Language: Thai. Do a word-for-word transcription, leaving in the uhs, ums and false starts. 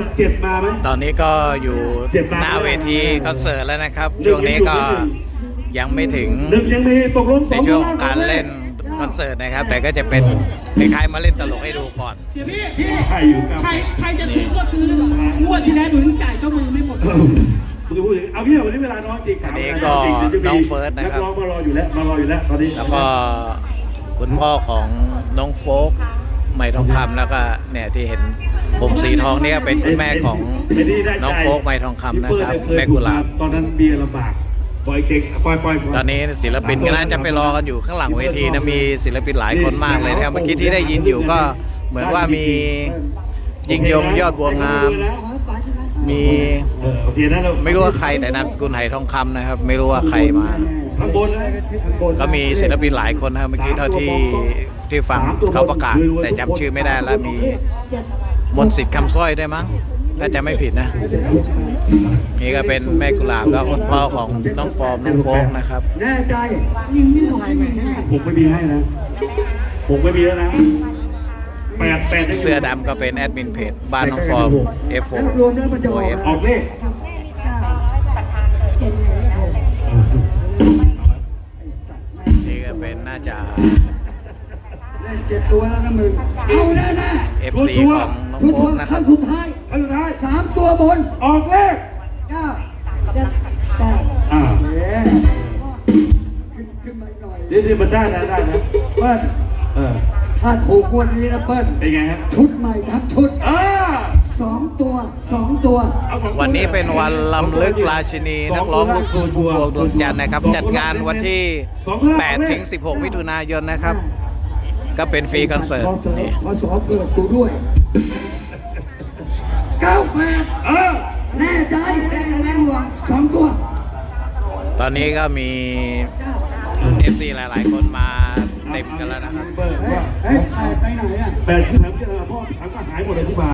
เจ็บมาไหมตอนนี้ก็อยู่หน้าเวทีคอนเสิร์ตแล้วนะครับช่วงนี้ก็ยังไม่ถึงหนึ่งยังมีตกลงสในองช่วงของการเล่นคอนเสิร์ตนะครับแต่ก็จะเป็นคล้ายๆมาเล่นตลกให้ดูก่อนเดี๋ยวพี่พี่ใครอยู่กับใครใครจะซื้อก็คืองวดที่แล้วหนูจ่ายเจ้ามือไม่หมดมึงจะพูดอย่างเอางี้วันนี้เวลาน้อยจริงอันนี้ก็น้องเฟิร์สนะครับนักร้องมารออยู่แล้วมารออยู่แล้วตอนนี้แล้วก็คุณพ่อของน้องโฟกใหม่ทองคำแล้วก็เนี่ยที่เห็นผมสีทองเนี่ยเป็นคุณแม่ของน้องโฟกใหม่ทองคำนะครับแม่กุหลาบตอนนั้นเบียร์ลำบากปล่อยเก่งปล่อยปล่อยตอนนี้ศิลปินก็น่าจะไปรอกันอยู่ข้างหลังเวทีนะมีศิลปินหลายคนมากเลยนะครับเมื่อกี้ที่ได้ยินอยู่ก็เหมือนว่ามียิ่งยงยอดบัวงามมีเออโอเคนะเราไม่รู้ว่าใครแต่นามสกุลไหทองคำนะครับไม่รู้ว่าใครมาข้างบนนะก็มีศิลปินหลายคนนะครับเมื่อกี้เท่าที่ที่ฟังเขาประกาศแต่จำชื่อไม่ได้แล้วมีมนต์สิทธิ์คำสร้อยด้วยมั้งถ้าจะไม่ผิดนะนี่ก็เป็นแม่กุหลาบแล้วคุณพ่อของน้องฟอร์มน้องโฟกนะครับแน่ใจนิ่งไม่หอยไม่แน่ผมไม่มีให้นะผมไม่มีแล้วนะแปดแปดเสื้อดำก็เป็นแอดมินเพจบ้านน้องฟอร์ม เอฟ โฟร์รวมแล้วมันจะออกออกเลขนี่ก็เป็นน่าจะเจ็ดตัวแล้วนะมึงเอาแน่แน่เอฟ ซี ของน้องทุกโฟคนกนะคขั้รับนสุดท้ายขั้นสุดท้ายสามตัวบนออกเลขเก้าเจ็ดแปดอ่าเย้ขึ้นขึ้นมาหน่อยนี่นี่มันได้นะได้นะเปิ้ลเออถ้าถูกวันนี้นะเปิ้ลเป็นไงฮะชุดใหม่ทั้งชุดอ่าสองตัวสองตัวเอาสองวันนี้เป็นวันลำลึกราชินีนักร้องลูกทุ่งพุ่มพวงดวงจันทร์นะครับจัดงานวันที่แปดถึงสิบหกมิถุนายนนะครับก็เป็นฟรีคอนเสิร์ตพอสอนี่พอสอเกิดกูด้วยเก้าแปดเออแน่ใจแน่แน่ห่วงสองตัวตอนนี้ก็มี เอฟ ซี หลาย ๆ คนมาเต็มกันแล้วนะครับเบิร์ว่าเฮ้ยไปไหนอ่ะแปดที่ถามที่พ่อถามก็หายหมดเลยที่บา